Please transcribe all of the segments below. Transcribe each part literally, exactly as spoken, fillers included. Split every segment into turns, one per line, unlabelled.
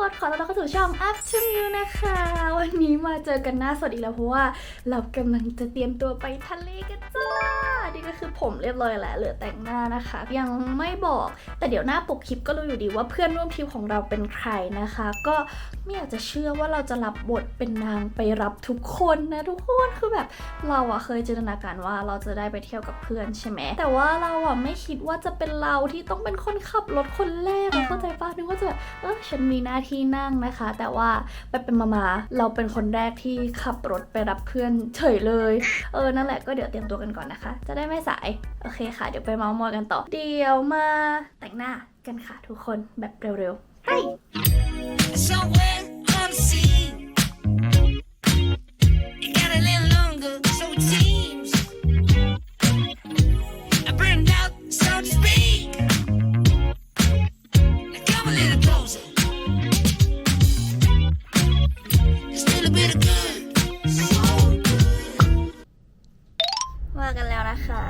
คนขอต้อนรับเข้าสู่ช่อง Up to You นะคะวันนี้มาเจอกันหน้าสดอีกแล้วเพราะว่าเรากำลังจะเตรียมตัวไปทะเลกันจ้านี่ก็คือผมเรียบร้อยแล้วเหลือแต่งหน้านะคะยังไม่บอกแต่เดี๋ยวหน้าปกคลิปก็รู้อยู่ดีว่าเพื่อนร่วมทริปของเราเป็นใครนะคะก็ไม่อยากจะเชื่อว่าเราจะรับบทเป็นนางไปรับทุกคนนะทุกคนคือแบบเราอะเคยจินตนาการว่าเราจะได้ไปเที่ยวกับเพื่อนใช่ไหมแต่ว่าเราอะไม่คิดว่าจะเป็นเราที่ต้องเป็นคนขับรถคนแรกเข้าใจป่ะนึกว่าจะแบบเออฉันมีหน้าที่นั่งนะคะแต่ว่าไปเป็นมามาเราเป็นคนแรกที่ขับรถไปรับเพื่อนเฉยเลยเออนั่นแหละก็เดี๋ยวเตรียมตัวกันก่อนนะคะจะได้ไม่สายโอเคค่ะเดี๋ยวไปเมาส์มอยกันต่อเดี๋ยวมาแต่งหน้ากันค่ะทุกคนแบบเร็วๆไปมากันแล้วนะคะ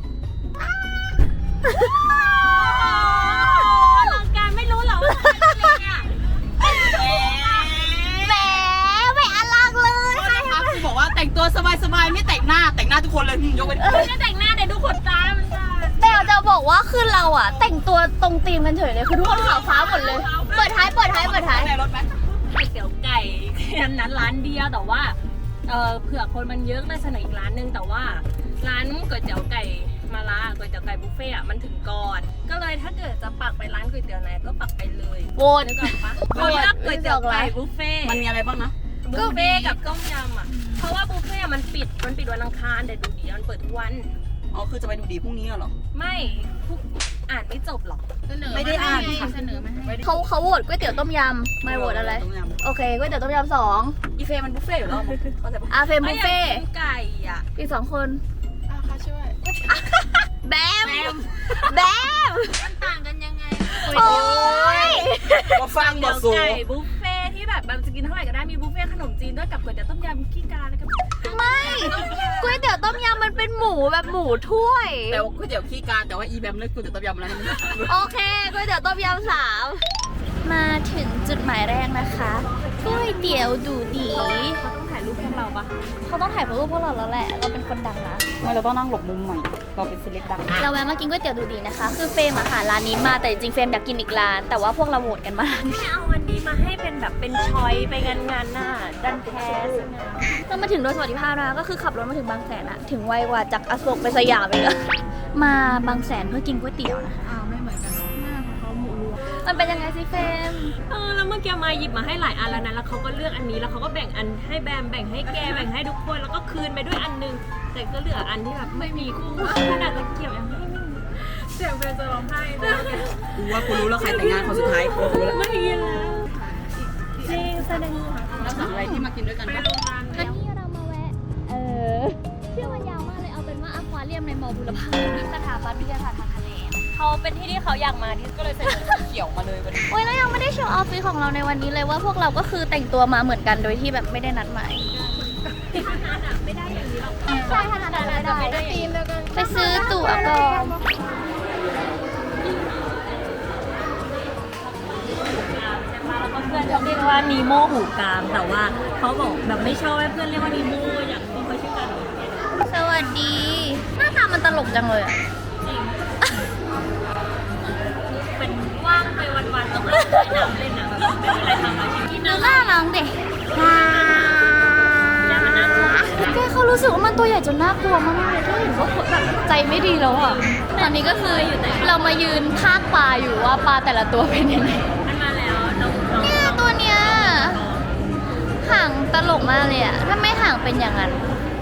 ลังการไม่รู้เหรอว่าอะไรเนี่ยแหมไม่อลังเลยนะคะคือบอกว่าแต่งตัวสบายๆไม่แต่งหน้าแต่งหน้าทุกคนเลยยกเว้นไม่แต่งหน้าเดี๋ยวดูขนตามันจะ
แต่จะบอกว่าคือเราอะแต่งตัวตรงธีมกันเฉยเลยคือทุกคนขาวฟ้าหมดเลยเปิดท้ายเปิดท้ายเปิดท้าย
ในรถไหมก๋วยเตี๋ยวไก่แค่นั้นร้านเดียวแต่ว่าเออเผื่อคนมันเยอะเลยเสนออีกร้านนึงแต่ว่าร้านก๋วยเตี๋ยวไก่มาลาก๋วยเตี๋ยวไก่บุฟเฟ่อะมันถึงก่อนก็เลยถ้าเกิดจะปักไปร้านก๋วยเตี๋ยวไหนก็ปักไปเลย
โหวต
นึกออกปะโหวตก๋วยเตี๋ยวไก่บุฟเฟ่มันมีอะไรบ้างนะบุฟเฟ่กับต้มยำอ่ะเพราะว่าบุฟเฟ่มันปิดมันปิดวันอังคารแต่ดูดีมันเปิดทุกวันอ๋อคือจะไปดูดีพรุ่งนี้เหรอไม่ทุกอ่านไม่จบหรอไม่ได้อ่านเสนอมาให้
เขาเขาโหวตก๋วยเตี๋ยวต้มยำไม่โหวตอะไรโอเคก๋วยเตี๋ยวต้มยำสอง
อีเฟมันบุฟเฟ่อยู่แล้วเข้าใจปะ
อาเฟมบุฟเฟ่
ไก่อ่ะ
อีกสองคน
อ่ะค่ะช่วย
แบมแบม
มันต่างกันยังไง
โอ้ย
มาฟังบทสูไก่บุฟเฟ่ที่แบบแบบจะกินเท่าไหร่ก็ได้มีบุฟเฟ่ขนมจีนด้วยกับก๋วยเตี๋ยวต้มยำขี้กาแล้วก็
ไม่ก๋วยเตี๋ยวต้มยำมันเป็นหมูแบบหมูถ้วย
แต่ก๋วยเตี๋ยวขี้กาแต่ว่าอีแบมเลือกก๋วยเตี๋ยวต้มยำแล้ว
โอเคก๋วยเตี๋ยวต้มยำสามมาถึงจุดหมายแรกนะคะก๋วยเตี๋ยวดูดี
เขาต้องถ่ายรูปพวกเราปะ
เขาต้องถ่ายรูปพวกเราแล้วแหละเราเป็นคนดังนะ
ไม่เราต้องนั่งหลบมุมใหม่เราเป็นเซเลบดัง
เราแวะมากินก๋วยเตี๋ยวดูดีนะคะคือเฟรมอะหาร้านนี้มาแต่จริงๆเฟรมอยากกินอีกร้านแต่ว่าพวกเราโหวตกันมา
ไม่เอาอันนี้มาให้เป็นแบบเป็นชอยไปงานงานหน้าดันแท้สงาม
เรามาถึงโดยสวัสดิภาพนะคะก็คือขับรถมาถึงบางแสนอะถึงไวกว่าจากอโศกไปสยามเลยอะมาบางแสนเพื่อกินก๋วยเตี๋ยวนะคะ
อ้าวไม่เหมือนกันเนาะหน้าของเขาหมูรวม
มันเป็นยังไงสิเฟรม
เออแล้วเมื่อกี้มาหยิบมาให้หลายอันแล้วนะแล้วเขาก็เลือกอันนี้แล้วเขาก็แบ่งอันให้แบมแบ่งให้แกแบ่งให้ทุกคนแล้วก็คืนไปด้วยอันนึงแต่ก็เหลืออันที่แบบไม่มีคู่ขนาดตะเกียบยังไม่มีเสียงเฟรมจะร้องไห้นะกูว่ากูรู้แล้วใครแต่งงานคนสุดท้ายกูรู้แล้วไม่มีแล้วจริงแสดงแล้วสั่งอะไรที่มากินด้วยกันปะ
วันนี้เรามาแวะเออชื่อมันยาวมากเลยเอาเป็นว่าอควาเรียมในมอบุรพาสถาบันวิทยาศาสตร์ทางทะเล
เขาเป็นที่ที่เขาอยากมาที่ก็เลยเสนอเขียวมาเลยวันนี้
โอ้ยแล้วยังไม่ได้โชว์ออฟฟิศของเราในวันนี้เลยว่าพวกเราก็คือแต่งตัวมาเหมือนกันโดยที่แบบไม่ได้นัดหมาย
ไม่ได้อย่างนี้หรอก
ใช่ขนาดนั้นไม่ได้ไปซื้อตั๋วก่อน
แล้วก็เพื่อนเขาเรียกว่านีโม่หูกามแต่ว่าเขาบอกแบบไม่ชอบให้เพื่อนเรียกว่านีโม่อยากให้เขาชื่อกัน
สวัสดีหน้าตามันตลกจังเลยอ่ะ
จริงเป็นว่างไปวันๆต้องเล่นน้ำเล่นน้ำไม่มีอะไรทำอาชีพที่นั่ง
น่ารักเด็กแกเขารู้สึกว่ามันตัวใหญ่จนน่ากลัวมากเลยถ้าเห็นว่าแบบใจไม่ดีแล้วอ่ะตอนนี้ก็คือเรามายืนพากปลาอยู่ว่าปลาแต่ละตัวเป็นยังไง
มันมาแล้ว
เนี่ยตัวเนี้ยห่างตลกมากเลยอ่ะถ้าไม่ห่างเป็นอย่างนั้น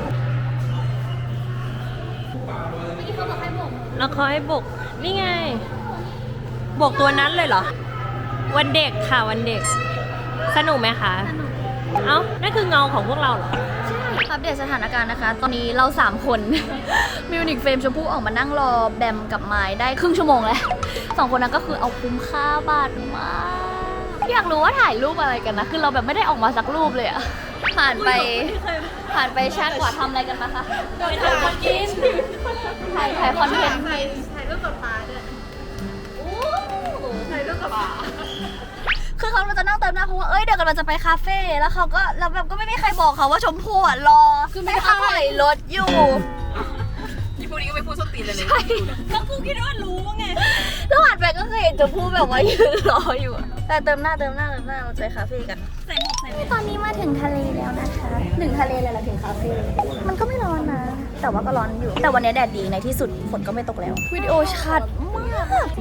แล้วเขาให้บกนี่ไงบกตัวนั้นเลยเหรอวันเด็กค่ะวันเด็กสนุกไหมคะเอ้านั่นคือเงาของพวกเราเหรอ
ใช่อัปเดตสถานการณ์นะคะตอนนี้เราสามคนมิวนิกเฟรมชมพู่ออกมานั่งรอแบมกับไม้ได้ครึ่งชั่วโมงแล้วสองคนนั้นก็คือเอาคุ้มค่าบาทมากอยากรู้ว่าถ่ายรูปอะไรกันนะคือเราแบบไม่ได้ออกมาสักรูปเลยอะผ่านไปผ่านไปชาติกว่าทำอะไรกันมาคะ
ถ่ายคอนเทนต์
ถ่ายถ่ายคอนเทนต์
ถ่ายรูปกับปลาด้วยโอ้ถ่ายรูปกับปลา
คือเขาจะนั่งเติมหน้าเพราะว่าเอ้ยเดี๋ยวกำลังจะไปคาเฟ่แล้วเขาก็แล้วแบบก็ไม่มีใครบอกเขาว่าชมพู่อ่ะรอคือไม่เขาถอยรถอยู่
ยี่พูดนี้ก็ไม่พูดส้นตีนเลยเลย
แล้วกูคิดว่ารู้ไง
แล้วหันไปก็เคยเห็นชมพู่แบบว่ายืนรออยู่อะแต่เติมหน้าเติมหน้าเติมหน้าเราจะไปคาเฟ่กัน
ใส่หมวกใส่หมวก
ตอนนี้มาถึงทะเลแล้วนะคะถึงทะเลเลยละถึงคาเฟ่มันก็ไม่ร้อนนะ แต่ว่าก็ร้อนอยู่ แต่วันนี้แดดดีในที่สุดฝนก็ไม่ตกแล้ววิดีโอชัดมาก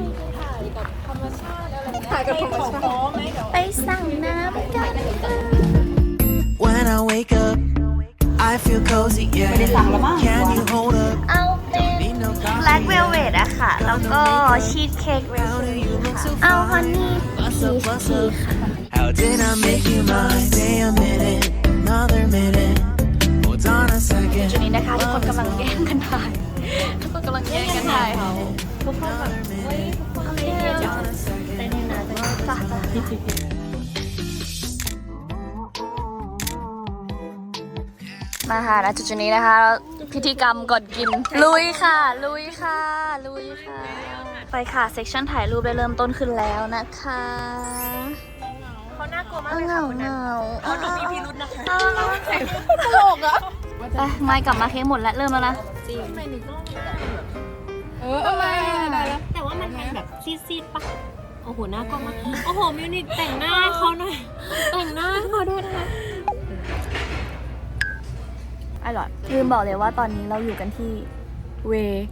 ถ่ายกับธรรมชาติ
ไปสั่งน้ำกัน
When I wake up, I feel cozy, yeah. Can you hold up?
เอาเป็น
Be no
แบล็คเวลเวทอะค่ะ แล้วก็ชีสเค้กเวล
How do you look so
เอาฮันนี่
Bust
ชี
up,
ส
bust
เค้ก
up.
ค่ะ
How did I make you mine? Stay a minute, another minute. Hold on a
จุด
second.
นี้นะคะทุกคนกำลังแย่งกันถ่ายทุกคนกำลังแย่งกันถ่ายทุกคนแบบเฮ้ยทุกคนอะไรเนี่ยจ้ะเต้นนะจ้ะจ้ะมาค่ะณจุดนี้นะคะ พิธีกรรมก่อนกิน ลุยค่ะ ลุยค่ะ ลุยค่ะ ไปค่ะ เซสชั่นถ่ายรูปได้เริ่มต้นขึ้นแล้วนะคะ
เขาน่ากลัวมาก
เอา
เลย
เห
ค่ะ
งา
คน
เห
นั้น
งา
เขาดูมีพิรุธนะคะ
ตลกอะไปไม่กลับมาเค้กหมดแล้วเริ่มแล้วนะ
จริงทำไมหนูต้อง
เอออะไรได้แล้ว
แต่ว่ามันเป็นแบบซีดๆปะโอ้โหน่ากลัวมากโอ้โหมิวนิกแต่งหน้าให้เขาหน่อยแต่งหน้าให้เขาด้วยนะคะ
อร่อยลืมบอกเลยว่าตอนนี้เราอยู่กันที่เว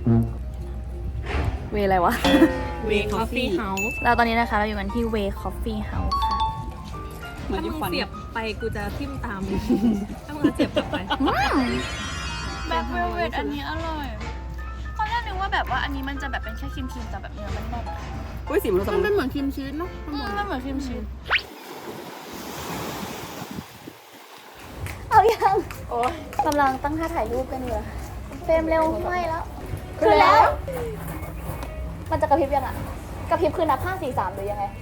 เวอะไรวะ
เวคอฟฟี่เฮาส์
เราตอนนี้นะคะเราอยู่กันที่เวคอฟฟี่เฮาส์ค่ะ
ถ้ามึงเสียบไปกูจะทิ่มตามถ้ามึงเสียบกลับไป
แบล็คเวลเวทอันนี้อร่อยตอนแรกนึกว่าแบบว่าอันนี้มันจะแบบเป็นแค่ครีมครีมแต่แบบเนื้อมันแน่น
อุ้ยสีมันมันเป็นเหมือนครีมชีสเนาะ
อืมมันเหมือนครีมชีสเอายังโอ้กำลังตั้งท่าถ่ายรูปกันอยู่ค่ะเฟรมเร็วไม่แล้วคือแล้ว มันจะกระพริบยังอ่ะกระพริบคือนับห้าสี่สามหรือยังไง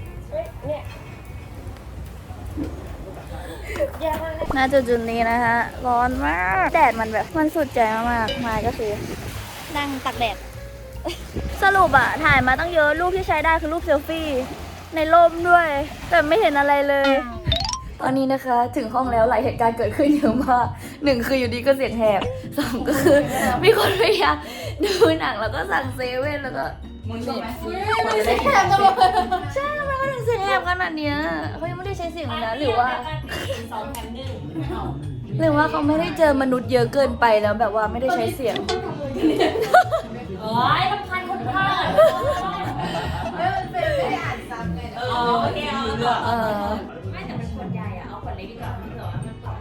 น่าจะจุดนี้นะคะร้อนมากแดดมันแบบมันสุดใจมากๆมาก็คือนั่งตักแดด สรุปอะถ่ายมาตั้งเยอะรูปที่ใช้ได้คือรูปเซลฟี่ในร่มด้วย แต่ไม่เห็นอะไรเลย ตอนนี้นะคะถึงห้องแล้วหลายเหตุการณ์เกิดขึ้นเยอะมากหนึ่งคืออยู่ดีก็เสียงแหบสองก็คือมีคนพยายามดูหนังแล้วก็สั่งเซเว่นแล้วก็มึงใช่ไหมไม่ได้แหบกันเลยใช่ทำไมเขาถึงเสียงแหบขนาดเนี้ยเขายังไม่ได้ใช้เสียงเลยนะหรือว่า
สองแถมหนึ่ง
หรือว่าเขาไม่ได้เจอมนุษย์เยอะเกินไปแล้วแบบว่าไม่ได้ใช้เสียง
โอ้ยทำพันคนพลาดไม่มันเป็นไม่ได้อ่านซ้ำไงเออโอเคเอา
เออ
ไม่แต่เป็นขวดใหญ่อะเอาขวดเล็กดีกว่าที่เหลือมันต่อ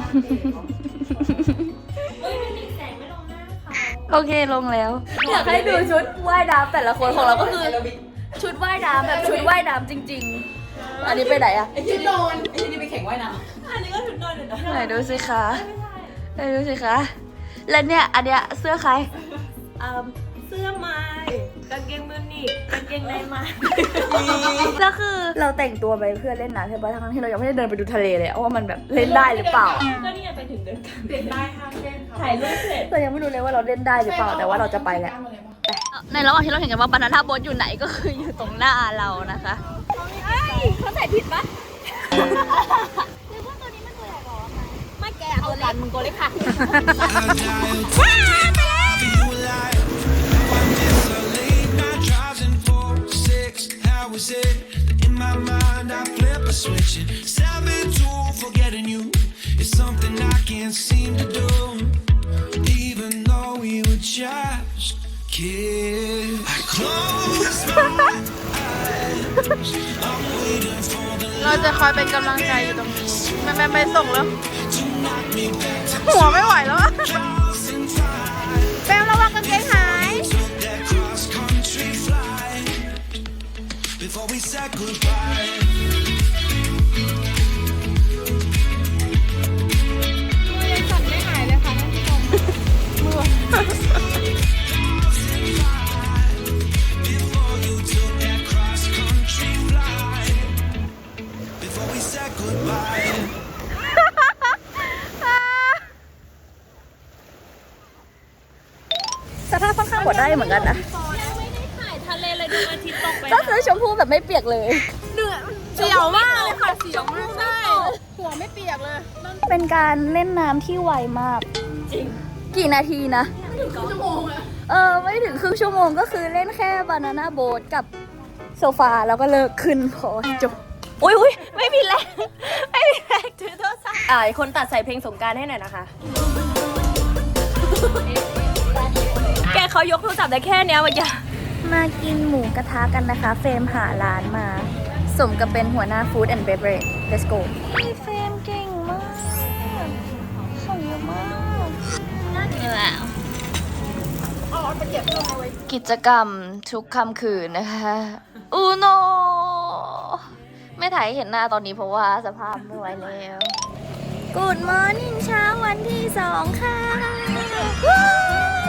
เฮ้ยมิวนิกแสงไม่ลงหน้าเขา
โอเคลงแล้วอยากให้ดูชุดว่ายน้ำแต่ละคนของเราก็คือ ชุดว่ายน้ำแบบชุดว่ายน้ำจริง ๆ อันนี้ไปไหนอะ
ไอ้ที่นอนไอ้ที่นี่ไปแข่งว่ายน้
อันนี้ก็ชุดนอนอยู่นะ
ไหนดูสิคะไหนดูสิคะแล้วเนี่ยอันเนี้ยเสื้อใคร
อ่าเสื้อไม้กางเกงมิวนิกกางเกงในไม้
แล้วคือเราแต่งตัวไปเพื่อเล่นน้ำใช่ปะทั้งที่เรายังไม่ได้เดินไปดูทะเลเลยว่ามันแบบเล่นได้หรือเปล่า
ก็นี่ไงไปถึงเดินกันเดินได้ห้ามเล่นถ่ายรูปเสร็จ
เรายังไม่รู้เลยว่าเราเล่นได้หรือเปล่าแต่ว่าเราจะไปแหละในระหว่างที่เราเห็นกันว่าบานาน่าโบ๊ทอยู่ไหนก็คืออยู่ตรงหน้าเรานะคะเขาใส่ผิดปะ
ไม่แกเอากันมึงโกเล็กค่ะ
Was it in my mind? I flip a switch and seven two forgetting you is something I can't seem to do. Even though we were just kids, I close my eyes. I'm waiting for the
ำเราจะคอยเป็นกำลังใจอยู่ตรงนี้แม่แม่ไปส่งแล้ว
to knock me back to
หัวไม่ไหวแล้วอะ
two thousand five.
แปมระวังกางเกงหาย
Took that cross country flight before we said goodbye.
ยังสั่นไม่หายเลยค่ะท่านผู้ชมมือ
Before you took that cross country flight before we said goodbye.
สภาพค่อนข้างกดได้เหมือนกันนะ
ยังไม่ได้ถ่ายทะเลเลยดูอาทิตย์ตกไป
ก็คือชมพู่แบบไม่เปียกเลย
เสียวมากเลยกเลย
เป็นการเล่นน้ำที่ไวมาก
จริง
กี่นาทีนะ
ชั่วโมงอะ
เออ ไม่ถึงครึ่งชั่วโมงก็คือเล่นแค่บานาน่าโบ๊ทกับโซฟาแล้วก็เลิกขึ้นพอจบ อุ้ยอุ้ยไม่มีแรงไม่มีแรง
ถือโทรศัพท์อ่าคนตัดใส่เพลงสงกรารให้หน่อยนะคะ แกเขายกโทรศัพท์ได้แค่เนี้ยเมื่อกี้
มากินหมูกระทะกันนะคะ เฟรมหาร้านมา สมกับเป็นหัวหน้า Food and Beverage Let's go พี่เฟรมเก่งมากของเยอะมากน่ากินแล้วกิจกรรมทุกค่ำคืนนะคะอูโนไม่ถ่ายให้เห็นหน้าตอนนี้เพราะว่าสภาพไม่ไหวแล้ว Good morning เช้าวันที่สองค่ะว้าว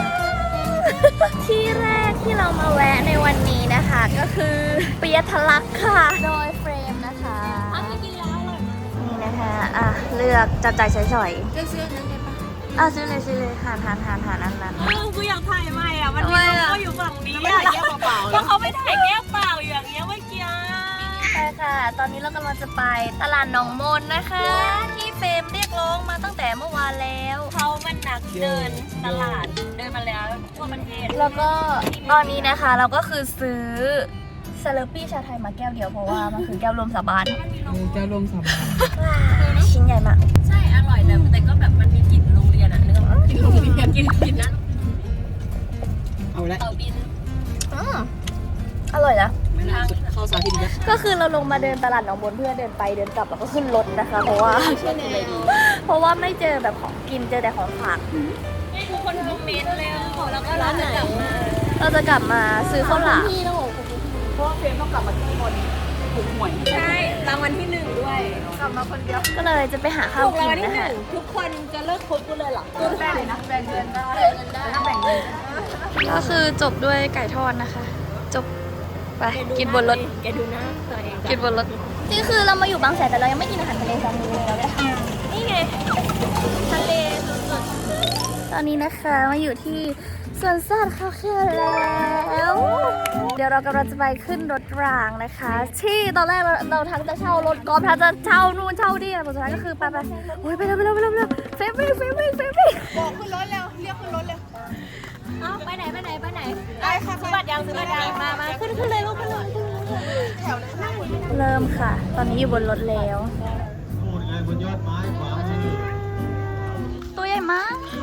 ที่แรกที่เรามาแวะในวันนี้นะคะ ก็คือเปียทะลักค่ะ โดยเฟรมนะคะนี่นะคะ อ่ะ เลือกจับจ่ายใช้สอย
เลือกซื้อนั้นเลยปะ
อ่ะซื้อเลยซื้อเลยหานหานหานหานอันนั้น
เออกูอยากถ่ายใหม่อ่ะ มัน
ทำ
มี
ไม
โล
อะ
โก้อยู่ฝั่งนี้
ไม่
อ่ะ
ถ่ายแก้วเปล่าๆ
เพราะเขาไม่ถ่ายแก้วเปล่าอยู่อย่างเงี้ยเมื่อกี้
ใช่ค่ะ ตอนนี้เรากำลังจะไปตลาดหนองมนนะคะ ที่เฟรมเรียกร้องมาตั้งแต่เมื่อวานแล้ว
เขามันหนักเดินตลาดเดินมาแล้วทั่วประเทศ
แล้วก็ตอนนี้นะคะเราก็คือซื้อซาเลปี้ชาไทยมาแก้วเดียวเพราะว่ามันคือแก้วรวมสาบาน
แก้วลมสบาย
ชิ้นใหญ่มาก
ใช่ อร่อยแต่แต่ก็แบบมันมีกลิ่นโรงเรียนอ่ะนึกออกปะกลิ่นโรงเรียนกลิ่นกลิ่นนั้น
เอาละ
เตาบิน
อืมอร่อยนะ
ไม่น่าสุดเข้าสาธิตแล้ว
ก็คือเราลงมาเดินตลาดหนองมนเพื่อเดินไปเดินกลับแล้วก็ขึ้นรถนะคะ เพราะว่าเพราะว่าไม่เจอแบบของกินเจอแต่ของฝาก
ให้ทุกคนคอมเมนต์เร็วแล้วก็เราจะกลับมา
เราจะกลับมาซื้อข้าวหลาม
พี่ต้องบอกเพราะว่าเฟรมต้องกลับมาที่บนถูกหวย
ใช่รางวัลที่หนึ่งด้วย
กลับมาคนเดียว
ก็เลยจะไปหาข้าว
ถูก
กิ
ราง
น
วัลที่
นะ
ห
คะ
นึ่งทุกคนจะเลิกคบกูเลยเหรอ
แบ่งนะแบ่งเงินได้ถ้าแบ่งเงิน
ก็คือจบด้วยไก่ทอดนะคะ จบไปกินบนรถ
แกดูหน้าตัวเอง
กินบนรถนี่คือเรามาอยู่บางแสนแต่เรายังไม่กินอาหารทะเลสักมื้อเลยเราเนี่ย
นี่ไงทะเลสุด
ตอนนี้นะคะมาอยู่ที่สวนสัตว์เขาเขียวแล้ว เดี๋ยวเรากำลังจะไปขึ้นรถรางนะคะ ที่ตอนแรกเราเราทั้งจะเช่ารถกอล์ฟทั้งจะเช่านู่นเช่านี่แต่สุดท้ายก็คือไปไปโอ้ยไปเร็วไปเร็วไปเร็วไปเร็วเฟรมวิ่งเฟรมวิ่งเฟรมวิ่ง
บอกขึ้นรถเร็วเรียกขึ้นรถเร็ว
ๆเอ้าไปไหนไปไหนไปไหน
ได้ค่ะ
ซื้อบัตรยังซื้อบัตรยังมามาขึ้นขึ้นเลยลูกขึ้นเลยขึ้นเลย
แถวเลยนั่งหมด
เริ่มค่ะ ตอนนี้อยู่บนรถแล้ว
นู่นไงบนยอดไม้ขวามือ
ตัวใหญ่มาก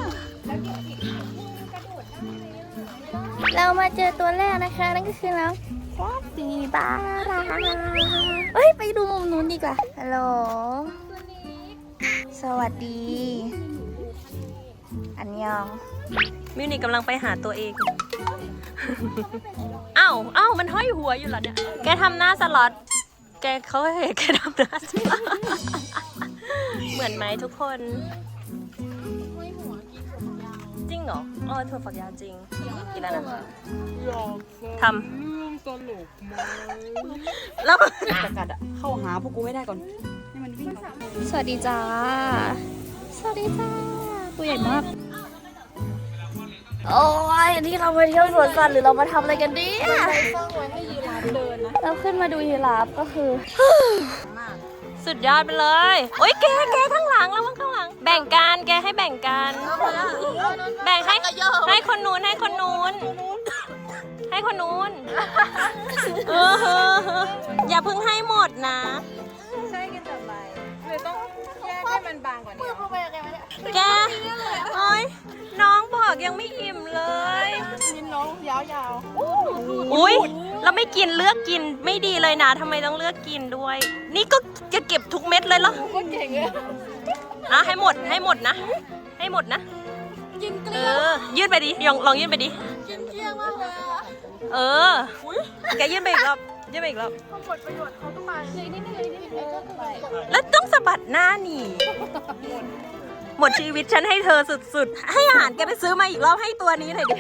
เรามาเจอตัวแรกนะคะ นั่นก็คือน้องฟอสซีบาราเฮ้ย ไปดูมุมนู้นดีกว่า ฮัลโหล สวัสดี อันยอง
มิวนิกกำลังไปหาตัวเอง เอ้าเอ้ามันห้อยหัวอยู่เหรอเนี่ย แกทำหน้าสล็อต แกเขาเห็นแกทำหน้าสล็อต เหมือนไหมทุกคน จริงเหรออ๋อถั่วฝักยาวจริงกินแล้วนะทำแล้ว
ประกาศอะเข้าหาพวกกูไม่ได้ก่อนให้มันวิ่ง
สวัสดีจ้า สวัสดีจ้า ตัวใหญ่มาก โอ้ยนี่เรามาเที่ยวสวนสัตว์หรือเรามาทำอะไรกันดี
ตั้งไว้ให้ยีราฟเดินนะ
เราขึ้นมาดูยีราฟก็คือ
สุดยอดไปเลย โอ๊ยแกแกข้างหลังแล้วมั้งข้างหลัง แบ่งกันแกให้แบ่งกัน แบ่งให้ให้คนนู้นให้คนนู้น ให้คนนู้นเอออย่าเพิ่งให้หมดนะ
ใช่กันแต่ไรเลยต้องแยกให้มันบางกว่านี้
แกโอ๊ยน้องบอกยังไม่อิ่มเลย
นิ้นน้องยาว
อุ้ยเราไม่กินเลือกกินไม่ดีเลยนะทำไมต้องเลือกกินด้วย นี่ก็จะเก็บทุกเม็ดเลยเหรอ
ๆคนเก่งเลย
อ่ะให้หมดให้หมดนะ ให้หมดนะ
กินเก
เอ
ลียว
อ ยื่นไปดิลองลองยื่นไปดิ
กินเกลียวมากเลยอะ
เออ แกยื่นไปอีกรอบยื่นไปอีกรอบ
เขาหมดประโยชน์เขาก็ไปเลยนิดนึงเลยนิดนึงเออไป
แล้วต้องสะบัดหน้าหนีหมดชีวิตฉันให้เธอสุดๆ ให้อาหารแกไปซื้อมาอีกรอบให้ตัวนี้หน่อยดิ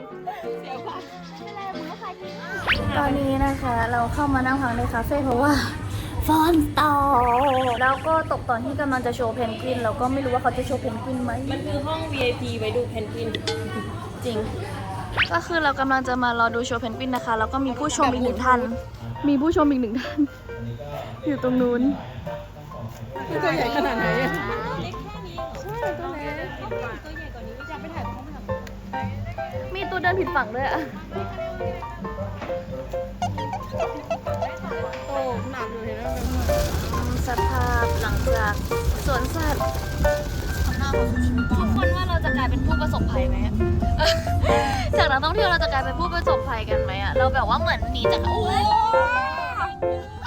ตอนนี้นะคะ เราเข้ามานั่งพักในคาเฟ่เพราะว่าฟอนต่อแล้วก็ตกตอนที่กำลังจะโชว์เพนกวินเราก็ไม่รู้ว่าเขาจะโชว์เพนกวินไหม
มันคือห้อง วี ไอ พี ไว้ดูเพนกวิน
จริง ก็คือเรากำลังจะมารอดูโชว์เพนกวินนะคะ แล้วก็มีผู้ชมอีกหนึ่งท่าน มีผู้ชมอีกหนึ่งท่าน อยู่ตรงนู้น
มันตัวใหญ่ขนาดไหนอะ
เล็กแค่นี้เหรอ
ใช่ตัวเล็ก
ตัวใหญ่กว่านี้ไม่
จะไปถ่ายตรงนู้นไหมคะ
มีตัวเดินผิดฝั่งด้วยอะ
โตหนักอยู่เห็นไหม
สภาพหลังจากสวนสัตว์
ทำหน้าเขาชิว
ทุกคนว่าเราจะกลายเป็นผู้ประสบภัยไหมอะ จากนักท่องเที่ยวเราจะกลายเป็นผู้ประสบภัยกันไหมอะเราแบบว่าเหมือนหนีจากโอ้ย